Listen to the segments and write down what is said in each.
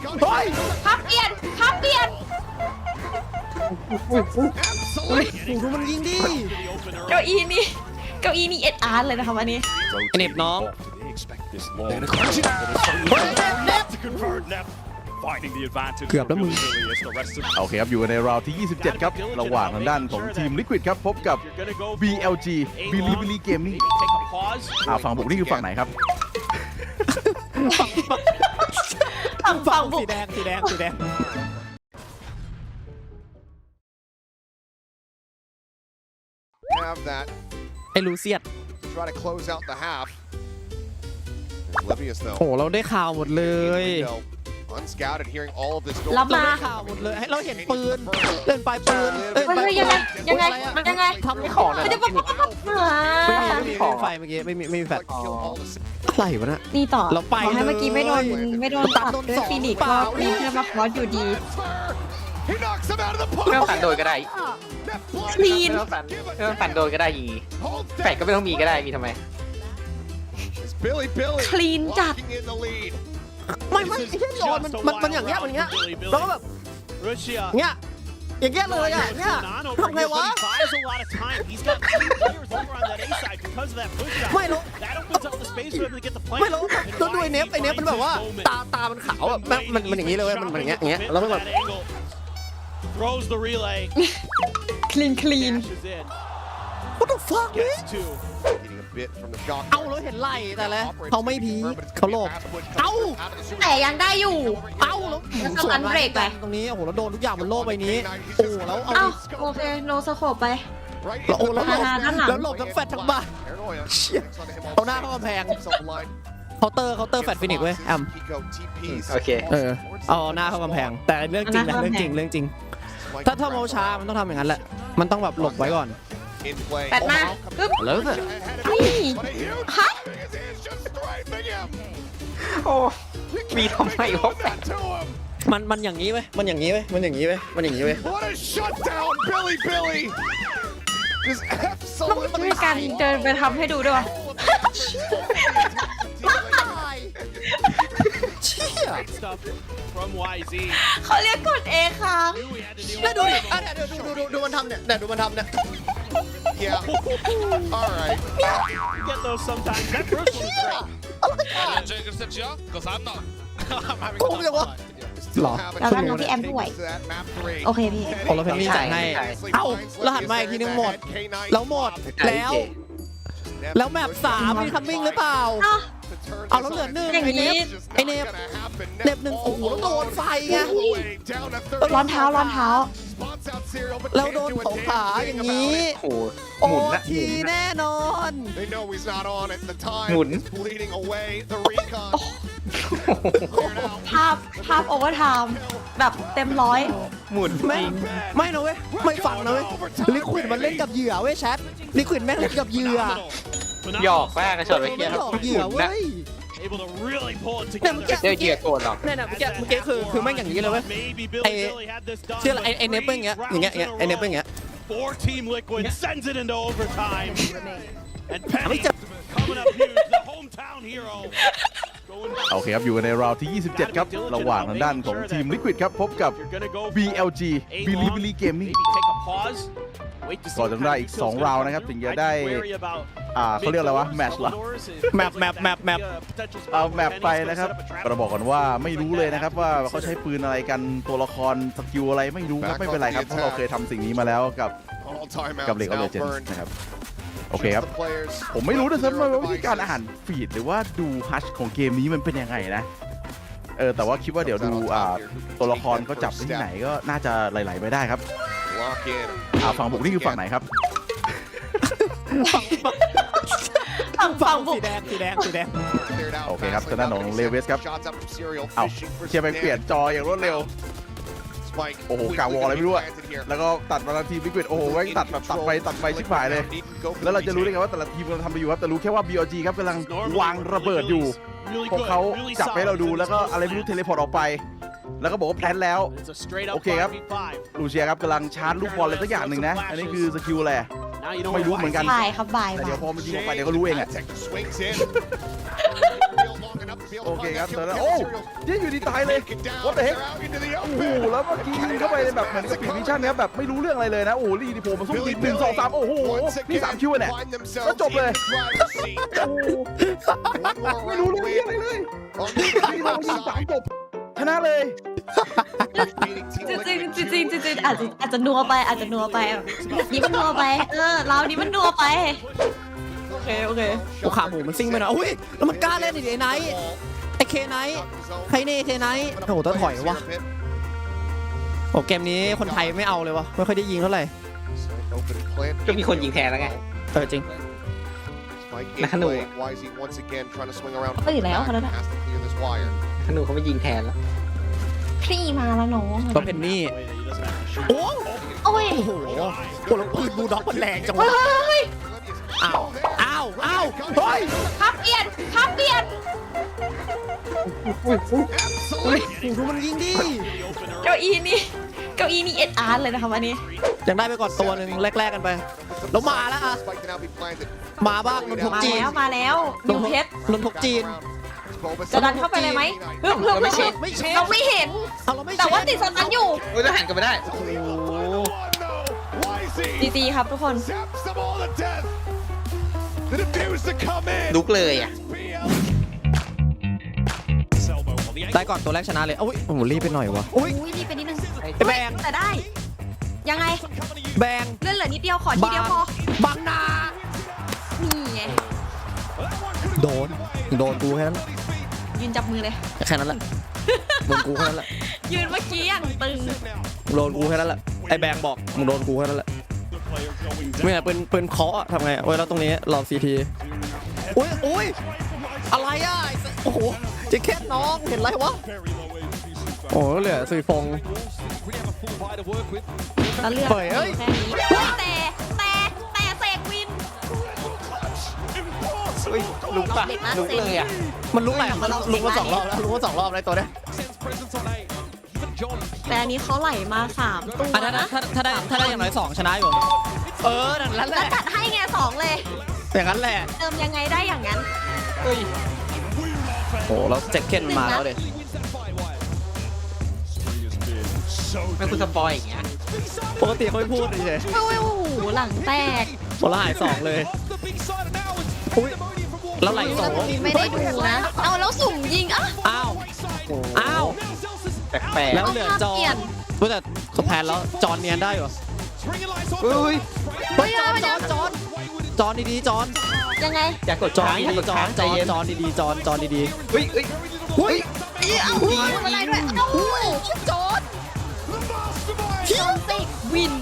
เฮ้ยพับเปลี่ยนดูมันยิงดิเก้าอี้นี่เอ็ดอาร์ตเลยนะครับอันนี้เน็บน้อง เกือบแล้วมึงโอเคครับอยู่ในราวที่ 27 ครับระหว่างทางด้านของทีม Liquid ครับพบกับ BLG Bilibili Gaming ฝั่งบุกนี่คือฝั่งไหนครับฝั่งบุกสีแดง Have that. ไอ้ลูเซียด Try to close out the half. Oblivious though. โอ้เราได้ข่าวหมดเลย Unscouted, hearing all of this. รับเรามาได้ข่าวหมดเลยให้เราเห็นปืนเล่นปลายปืนเฮ้ยยังไงทำไม่ของนะไม่ได้ปั๊บไม่มีไฟเมื่อกี้ไม่มีแฟลชอะไรวะนะนี่ต่อเราไปขอให้เมื่อกี้ไม่โดนตัตัดดโดนด้วยสองฟีนิกซ์เปล่าก็มีเพื่อนมาคอสอยู่ดี He knocks him out of the ไม่ต้อง park. ฝันโดยก็ได้ That blind คลีนไม่ต้องฝันโดยก็ได้ยี hold แฝดก็ไม่ต้องมีก็ได้มีทำไม It's Billy คลีนจัด locking in the lead. ไม่ไอ้เหี้ยโยนมันอย่างเงี้ยแล้วก็แบบเงี้ยอย่างเงี้ยเลยอ่ะเนี่ยทำไงวะไม่รู้แล้วดูไอ้เนฟมันแบบว่าตามันขาวแบบมันอย่างงี้เลยมันอย่างเงี้ยแล้วมันแบบ throws the relay คลีน dashes in what the fuck man gets two Getting a bit from the shot. เอาแล้วเห็นไหล่แต่ละเขาไม่พีเขาหลบเอ้าแต่ยังได้อยู่เอ้าแล้วสตันเบรกไปตรงนี้โอ้โหแล้วโดนทุกอย่างบนโลกใบนี้โอ้แล้วเอาเอ้าโอเคโนสโคปไป Right แล้วโอ้แล้วหลบด้านหลังแล้วหลบทั้งแฟดทั้งบ้าน Paranoia. เชี่ย Next onto him เอาหน้าเข้ากำแพง himself aligned. เคาน์เตอร์แฟดฟินิกเว้ยแอม Pico TPs. โอเคเอาหน้าเข้ากำแพงแต่เรื่องจริงนะเรื่องจริงถ้าโมช้ามันต้องทำอย่างนั้นแหละมันต้องแบบหลบไว้ก่อน In play. แปดมาปึ๊บแล้วแต่นี่ But a huge ฮะ his hands just strafing him. โอ้มีทำไมวะ That to him. มันอย่างนี้เว้ยมันอย่างนี้เว้ย What a shutdown, Billy. Just ต้องมี absolutely การเดินไปทำให้ดูด้วยวะเชี่ย stuff from YZ เขาเรียกกดเอค้าง knew we had to deal แล้ว with ดูดิอ่ะเดี๋ยวดูมันทำเนี่ยดูมันทำเนี่ย Yeah. All right. you get those sometimes that first one was great โกงจังวะหรอแล้วก็น้องพี่แอมด้วย โอเคพี่โอ้เราเพนนี่จ่ายให้เอ้าแล้วหันมาอีกทีนึงหมดแล้วหมดแล้วแมป3มีคัมมิ่งหรือเปล่าอ้าวเอาแล้วเหลือหนึ่งอย่างนี้ไอเนฟหนึ่งโอ้โหแล้วโดนไฟไงร้อนเท้าแล้วโดนของขาอย่างนี้โอ้โหโอ้หมุนนะทีแน่นอน They know he's not on at the time. Hụn. It's bleeding away. The recon. ภาพโอเวอร์ไทม์แบบเต็มร้อยหมุนจไม่ริงไม่นะเว้ยไม่ฟังนะเว้ยลิควิดมันเล่นกับเหยื่อเว้ยแชทลิควิดแม่งเล่นกับเหยื่อ phenomenal หยอกแป้งกระโดดไปมันเคี้ยหลอกเหยื่อเว้ย able to really pull it เนี่ยเมื่อ together กี้เดี๋ยวเหยื่อโกรธหรอกเนี่ยเมื่อกี้คือแม่งอย่างนี้เลยเว้ย maybe Ê, Billy had this done เชื่ออะไรไอเนฟเป็นอย่างเงี้ยไอเนฟเป็นอย่างเงี้ย 4-team Liquid sends it into overtime and Penny Mấy chục. coming up huge the hometown hero going โอเคครับอยู่ในราวที่ 27 ครับระหว่างทางด้านของทีม Liquid ครับพบกับ you're gonna go BLG Bilibili Gaming maybe take a pause wait to see ก่อนจะได้อีก2ราวนะครับถึงจะได้เขาเรียกอะไรวะแมตช์เหรอแมปเอาแมปไปนะครับเราบอกก่อนว่าไม่รู้เลยนะครับว่าเขาใช้ปืนอะไรกันตัวละครสกิลอะไรไม่รู้ครับไม่เป็นไรครับเพราะเราเคยทำสิ่งนี้มาแล้วกับ All timeouts กับ League of now Legends burned. นะครับโอเคครับ The players ผมไม่รู้ด้วยซ้ำว่าวิธีการอ่านฟีดหรือว่าดูฮัชของเกมนี้มันเป็นยังไงนะแต่ว่าคิดว่าเดี๋ยวดูตัวละครเขาจับที่ไหนก็น่าจะไหลๆไปได้ครับ lock in. ฝั่งบุกนี่คือฝั่งไหนครับฝั่งบุกสีแดง Cleared out โอเคครับ fast ทางด้านของ Lewis ครับ Shots up from Serial เอ้า fishing for เชียร์ไป some เปลี่ยน damage. จออย่างรวดเร็ว Spike โอ้โห quickly กาวอลอะไรไม่รู้อะ planted here. แล้วก็ตัดมาทันทีวิกฤตโอ้โหแม่งตัดแบบตัดไปชิบหายเลย แล้วเราจะรู้ได้ไงว่าแต่ละทีมกำลังทำไปอยู่ครับแต่รู้แค่ว่า BLG ครับกำลังวางระเบิดอยู่ พวกเขาจับให้เราดูแล้วก็อะไรไม่รู้เทเลพอร์ตออกไป แล้วก็บอกว่าแพลนแล้ว It's a straight up Okay,ครับ 5v5 ลูเชียครับกำลังชาร์จลูกบอลอะไรสักอย่างหนึ่งนะ อันนี้คือสกิลอะไร Now you know ไม่รู้เหมือนกันบ่ายครับบ่ายแต่เดี๋ยวพอมันยิงออกไปเดี๋ยวก็รู้เองอะ Tech swings in. Long enough to be able โอเคครับตอนนั้นโอ้ยอยู่ดีตายเลย What the heck โอ้โหแล้วเมื่อกี้ยิงเข้าไปในแบบเหมือนสปีดวิชั่นนะครับแบบไม่รู้เรื่องอะไรเลยนะโอ้โหลีดีโผล่มาสู้ยิง1 2 3โอ้โหนี่3คิวเนี่ยก็จบเลยไม่รู้เรื่องอะไรเลยนี่เรายิง3จบชนะเลยจริงอาจจะนัวไปนี่มันนัวไปเรานี่มันนัวไปโอเคโอ้ขาหมูมันซิ่งไปนะอุ้ยแล้วมันกล้าเล่นอีกไอ้ไนท์ไอ้เคไนท์ใครเน่เคไนท์โอ้โหต้องถอยวะโอ้เกมนี้คนไทยไม่เอาเลยวะไม่ค่อยได้ยิงเท่าไหร่ก็มีคนยิงแทนแล้วไงจริงนักหนูก็อยู่แล้วคนนั้นธนูเขาไม่ยิงแทนแล้วพี่มาแล้วน้องก็เพนนี่โอ้โอ้ยโหแล้วปืนบูลด็อกมันแรงจังวะอ้าวเฮ้ยครับเปลี่ยนดูมันยิงดิเก้าอี้นี่เอ็ดอาร์เลยนะคะวันนี้ยังได้ไปก่อนตัวหนึ่งแรกๆกันไปแล้วมาแล้วอะมาบ้างนนทกจีนมาแล้วนิวเพชรนนทกจีนจะดันเข้าไปเลยไหมเพิ่มเราไม่เห็นเอาเราไม่แต่ว่าติดสตันอยู่โอ้ยจะหันกันไม่ได้จีครับทุกคนลุกเลยอ่ะได้ก่อนตัวแรกชนะเลยอุ้ยโอ้โหรีบไปหน่อยวะอุ้ยอุ้ยนี่เป็นนิดนึงแบงแต่ได้ ยังไงแบงเลื่อนเหลือนิดเดียวขอทีเดียวพอบังนานี่ไงโดนกูแค่นั้นยืนจับมือเลยแค่นั้นแหละโดนกูแค่นั้นแหละยืนเมื่อกี้อย่างตึงโดนกูแค่นั้นแหละไอ้แบงบอกมึงโดนกูแค่นั้นแหละไม่เนี่ยปืนเคาะทำไงเว้ยแล้วตรงนี้รอซีทีอุ้ยอะไรอ่ะโอ้โหจะแค่น้องเห็นไรวะโอ้เหลือสุยฟงแล้วเลือกเฮ้ยเอ้ยแค่นี้แต่เสกวินอุ้ยลุกปะลุกเลยอ่ะมันลุกไหนมันลุกมา2 รอบแล้วลุกมา2 รอบเลยตัวเนี้ยแต่อันนี้เขาไหลมา3ตัวอันนั้นนะถ้าได้อย่างน้อย2ชนะอยู่นั่นแหแล้วละจัดให้ไง2เลยอย่างนั้นแหละเติมยังไงได้อย่างนั้นโอ้แล้วแจ็คเก็ตมาแล้วเด็ไม่คุณสปอยอย่างเงี้ยปกติเขาไม่พูดเฉยโอ้โหหลังแตกๆคนละหาย2เลยอุ้ยแล้วไหล2 ไม่ได้ดูนะ เอาแล้วสุ่มยิงอ่ะอ้าวแปลกแล้วเหลือจอเปลี่ยนนแต่เขาแพ้แล้วจอนเนียนได้อยู่ๆอุ้ยจอนดีๆจอนยังไงอย่ากดจอนค้างอย่าดีกดๆจอค้าน งใจเย็นจอนดีๆจอนดีอุ้ยๆอุ้ยเอาอะไรด้วยเอาจอนติกวิน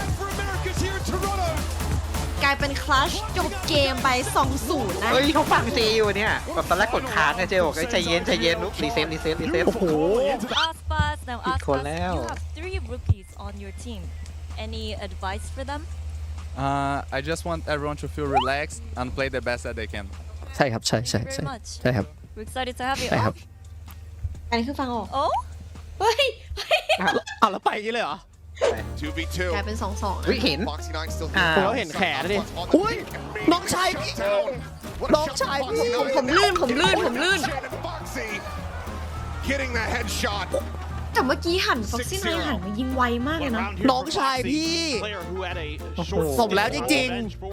กลายเป็นคลัชจบเกมไป 2-0 นะเฮ้ยเขาฟังซีอยู่เนี่ยแบบตอนแรกกดค้างไงเจ๊บอกใจเย็นลุกรีเซ็ตโอ้โห Aspas, now Good call Aspas, now. you have 3 rookies on your team. Any advice for them? I just want everyone to feel relaxed and play the best that they can. ใช่ครับใช่ Very much. ใช่ครับ We're excited to have you. ใช่ครับอันนี้คือฟังออก Oh? เฮ้ยเอาแล้วไปอย่างนี้เลยเหรอ 2v2. กลายเป็น 2-2 เฮ้ยเห็น Foxy 9 still อ่าโอ้แล้วเห็นแขนดิอุ้ยน้องชายพี่น้องชายพี่ผมลื่น Foxy getting the headshot. แต่เมื่อกี้หันฟ็อกซี่ไนหันมายิงไวมากเลยนะน้องชายพี่ สมแล้วจริง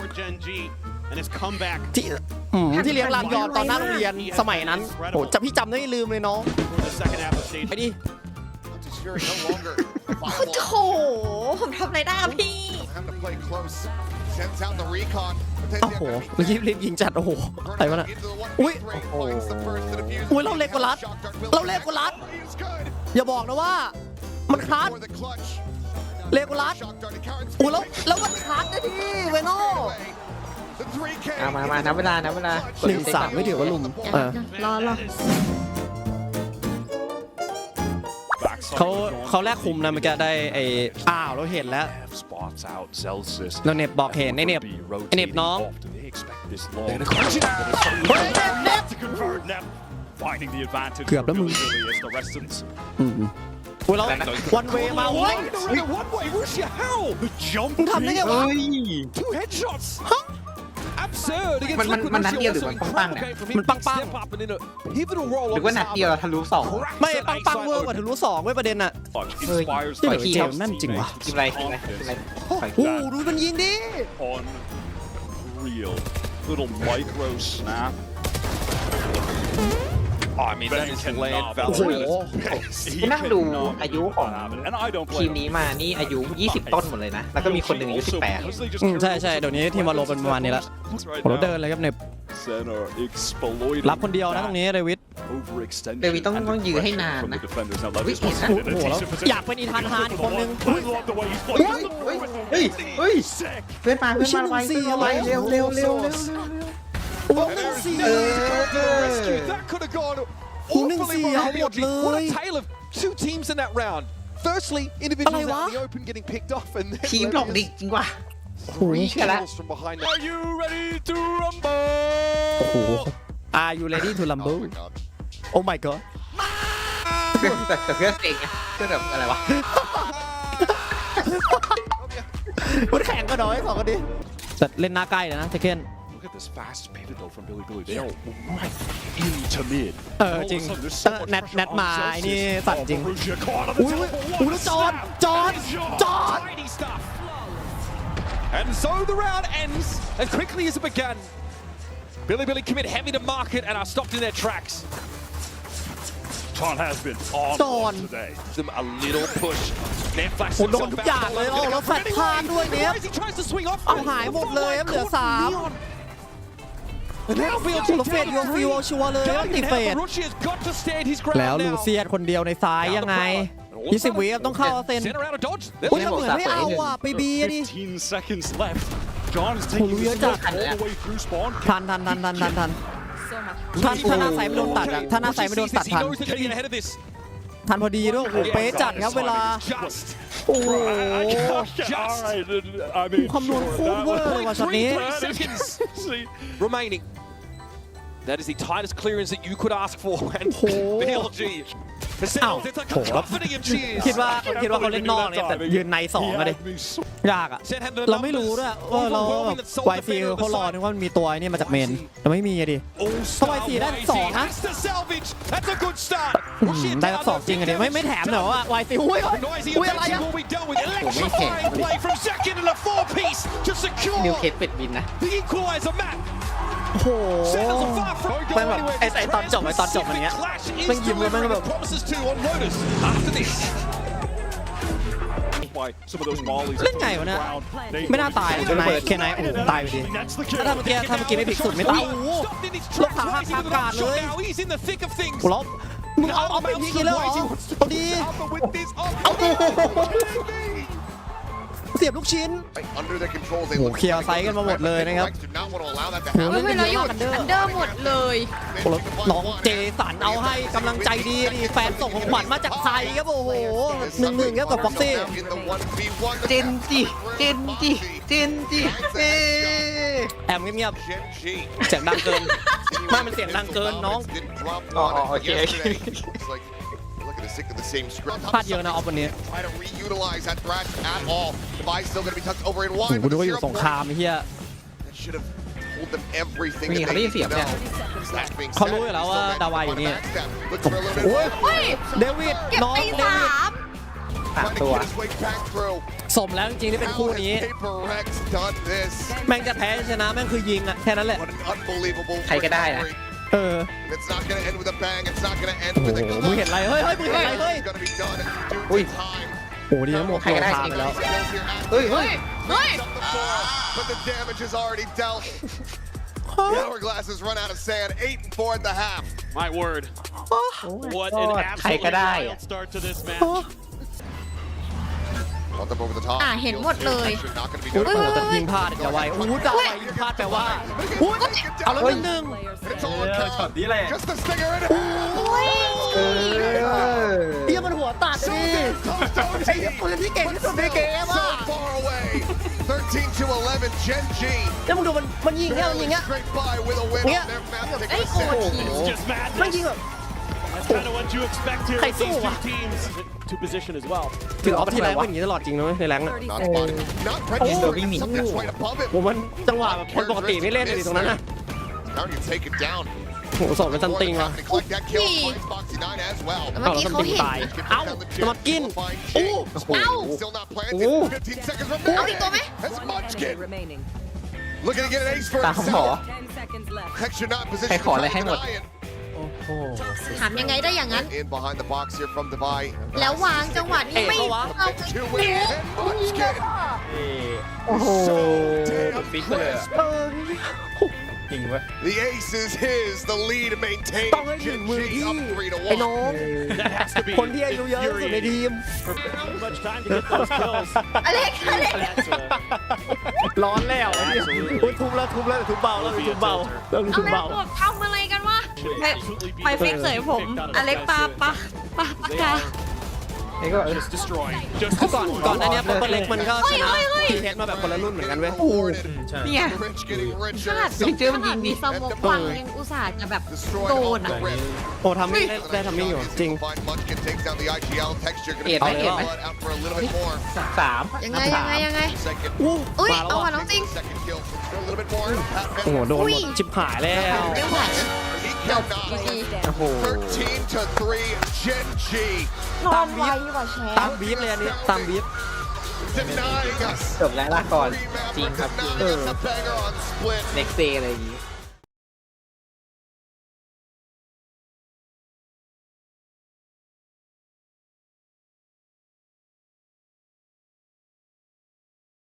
ๆ ที่เลี้ยงรามยอนตอนหน้าโรงเรียนสมัยนั้นโหจะพี่จำได้ไม่ลืมเลยน้องไปดิ Fury no longer โอ้โห ผมทำอะไรได้อะพี่ having to play close. Sends out the recon. โอ้โหรีบยิงจัดโอ้โหอะไรวะน่ะอุ้ยอุ้ยเราเล็กกว่ารัดอย่าบอกนะว่ามันคลาสเลโกลัสอุ้ยแล้วมันคลาสนะพี่เวโน่มานับเวลา 1-3ไม่ถือว่าลุมรอเขาแลกคุมนะเมื่อกี้ได้ไอ้เราเห็นแล้วเราเน็บบอกเห็นไอ้เน็บน้องเกือบแล้วมึงอุ้ยแล้ววันเวมาเว้ยมึงทำได้ไงวะมันนัดเดียวหรือมันปังๆเนี่ยมันปังหรือว่านัดเดียวทะลุสองๆไม่ปังเวอร์กว่าถึงรู้สองเว้ยประเด็นอะเฮ้ยที่เหลือเจมส์แม่นจริงวะทีมอะไรถอยโอ้โหดูมันยิงดิ Unreal. Little micro snap. I mean, that is land โอ้โห value. นั่งดูอายุของ And I don't ทีม blame นี้มานี่อายุ 20 ต้นหมดเลยนะ แล้วก็มีคนหนึ่งอายุอืมใช่เดี๋ยวนี้ทีมวอลโลเป็นประมาณนี้ละโหเราเดินเลยครับเนี่ย Center exploited. รับคนเดียวนะตรงนี้เดวิด Overextension. 18 เดวิดต้องยื้อให้นานนะ วิเห็นนะโอ้โหแล้วอยากเป็นอีธานฮานอีกคนนึง I love the way he's playing. เฮ้ย เพื่อนมาไวเร็วโอ้โหเสีย That could have gone หูหนึ่งเสียหมดเล What ย a tale of two teams in that round. Firstly, individuals out in the open getting picked off, and then ทีมหลอกดิจริงว่ะ three เชื่อละ kills from behind. Are you ready to rumble? โอ้โห Are you ready to rumble Oh my god แต่เพื่อนเองไงเพื่อนแบบอะไรวะมันแข่งกันหน่อยสองคนนี้แต่เล่นหน้าใกล้เลยนะเทเคน Look at this fast pivot though from Billy. They are right into mid. จริงแนทมาไอ้นี่สั่นจริง Borussia caught on อุ้ the ย temple. อุ้ยแล้วจอน Tiny stuff. And so the round ends as quickly as it began. Billy commit heavy to market and are stopped in their tracks. Ton has been on Ton. today. Them a little push. Then flash โหโดนทุกอย่างเลยโอ้แล้วแฟดพลาดด้วยเนี่ย He tries to swing off. เอาหายหมดเลยเหลือ3แล้วเฟดโยฟิวชัวร์เลยว่าติดเฟด Borussia has got to stand his ground แล้วลู now. เซียดคนเดียวในซ้ายยังไง20 วิต้องเข้าเซน Center out of dodge. อุ้ยแล้วเหมือนไม่เอาอ่ะไปบีดิ 15 seconds left. John is Oh, taking Luya this Jack. all the way through spawn. ทัน So much. ถ้าหน้าใสไม่โดนตัดอะถ้าหน้าใสไม่โดนตัด He ทัน knows they're gonna get ahead of this. ทันพอดีด้วยโอ้โหเป๊ะจัดครับเวลา Just โอ้โห All right. I mean, คำนวณโคตรเวอร์เลยว่ะช็อตนี้ .3 seconds See, remaining. That is the tightest clearance that you could ask for. And BLG. The Sentinels, it's like a company of cheers. คิดว่าเขาเล่นนอกเนี่ยแต่ยืนใน2อะดิ had me so ยากอะเราไม่รู้ด้วยว่าเราไวซีเขารอนึกว่ามันมีตัวไอ้นี่มาจากเมนแต่ไม่มีอะดิ All-star How I see that YZ song, huh? has to salvage. That's a good start. ได้รับ2จริงอะดิไม่แถมเหรอวะไวซีอุ้ย Noisy อุ้ยอะไร eventually อะ will be dealt with. Electrifying play from second and a 4-piece to นิว secure เคสเป็ดบินนะ the equalizer map. โอ้โห Sentinels are far from แม่ง going แบบ anywhere. ไอ้ตอนจบอันเนี้ย Clash is แม่งยิ้มเลยแม่ง delivering แบบ the promises to on Lotus after this. by some of those volleys. เล่นไงวะเนี่ย They- ไม่น่าตายนายแค่นายโอ้โหตายไปดิ That's the ถ้าเมื่อกี้ไม่พลิกสุดไม่ตายโอ้โห Stopped in his Look tracks, how rising to the half-guard top shot เลย now. He's in the thick of things. แล้วมึงเอาไปพลิกอีกแล้วเหรอเอาดี Alpha with this up. เสียบลูกชิ้น Under their control, they โอ้โห look เคลียร์ไซส์กันมาหมดเลยนะครับ do not want to allow that to โอ้โห happen. เล่นกันเยอะมากอันเดอร์อันเดอร์หมดเลยโอ้โหน้องเจสันเอาให้กำลังใจดีดิแฟนส่งของขวัญมาจากไทยครับโอ้โห1-1ครับกับฟ็อกซี่ In the 1v1, เจนจีเอ๊ะแอมเงียบ Gen G. ๆเสียงดังเกินไม่มันเสียงดังเกินน้อง Didn't drop Oh, one oh, okay. yesterday. It's like, we're looking to stick to the same script. พลาดเยอะนะออฟวันนี้ Try to reutilize that thrash at all. Device still going to be tucked over in โอ้ wide. โหดูว่าอยู่สงครามไอ้เหี้ย That should have told them everything Wait, that how do they you need to see it? know. That being เขา said, รู้อยู่แล้ว he ว่า still managed ดาวายอ to ยู่ find นี่ a backstab. Looks for a little bit โอ้ย more. เฮ้ยเดวิดเก็บน้องไปเดวิด 3 Trying to ตัว get his way back through. สมแล้วจริงๆที่เป็น How คู่ has นี้ Paper Rex done this? แม่งจะแพ้ชนะแม่งคือยิงอะแค่นั้นแหละ What an unbelievable ใครก็ได้นะ victory. เออ It's not going to end with a bang. It's not going to end โอ้โห with a มึงเห็นอะไรเฮ้ยมึงเห็นอะไรเฮ้ย It's going to be done in อุ้ย due time. โอ้โหดีนะโมโหทางไปแล้วเฮ้ย Up the floor, but the damage is already dealt. The hourglass has run out of sand. 8-4 at the half. My word. What an ใครก็ absolutely ได้ wild start to this match. Bumped up over the top. เห็นหมดเลย Not going to be โอ้โห notified. แต่ยิงพลาดอย่าไวโอ้โหดาวไวยิงพลาดแปลว่าอุ้ยเอาแล้วหนึ่ง It's all on count. Just the stinger in it. เฮียมันหัวตัดดิไอ้ปืนที่เก่งที่สุดในเกมอ่ะ So far away. 13-11. Gen G. แล้วมึงดูมันยิงแค่มันยิงอ่ะ Straight by with a win Yeah. on their map. Taking ไอ้ a โกรธ set. ที It's just มัน madness. ยิงแบบ And That's kind of what you expect here with these two teams to position as well. ถึงออฟที่แรงเป็นอย่างนี้ตลอดจริงนะเว้ยในแรงอะ Not spotting. Not registered. Something that's right above him. ผมมันจังหวะแบบคนปกติไม่เล่นเลยตรงนั้นนะ Now you take it down. โหสอบเป็นซันติงว่ะ Collect that kill. Finds Foxy 9 as well. เมื่อกี้เขาเห็นเอ้าจะมากินโอ้โห Still not planted. 15 seconds remaining. เอาอีกตัวไหม That's Munchkin. Looking to get an ace for ตามหมอ himself. Texture not in position ใครขออะไรให้หมด to deny it. ถามยังไงได้อย่างนั้น In behind the box here from Divide. แล้ววางจังหวะนี้ไม่เอา To win and Munchkin. โอ้โห So damn ฟิกเลย crisp. จริงเว้ย The ace is his. The lead maintained. ต้องให้ถึงมือ Gen G พี่ up 3 to ไอ้น้อง That has to be คนที่อายุเยอะที่สุดในทีม too much time to get those kills. อเล็กอเล็ก That's a ร้อนแล้วโอ้ยทุบแล้วทุบเบาแล้วทุบเบาแล้วเอาทุบแล้เบาวทำอะไรกันวะไปเฟกเสยผม อเล็กปากกานี่ก็ just destroying. Just ก่อนอันเนี้ยเปเปอร์เล็กมันก็ชนะทีเฮดมาแบบคนละรุ่นเหมือนกันเว้ยเนี่ย Rich getting ข richer. นาดจริงๆมันยิงดิสมองวังยังอุตส่าห์จะแบบ Destroyed โด off นอ่ะ the rip. โอ้ทำไม่ได้ทำไม่อยู่จริง Find Munchkin takes down the IGL. Texture gonna เอ็ดไหม be เอ็ดไหม out for a little bit more. สามยังไง Second. อุ้ยมาแล้วเอาอ่ะว่ะน้องจริง Second kill. A little bit more. โอ้โหโดนหมดชิบหายแล้วไม่ไหว He จบ cannot. ดีโอ้โห 13 to 3. Gen G นอนไวกว่าแชตามมป์บีฟเลยอันนี้ตามบีฟ denying us. จบแล้วลาก่อน จริงครับจริง Denying us a banger on split. next day อะไรอย่างงี้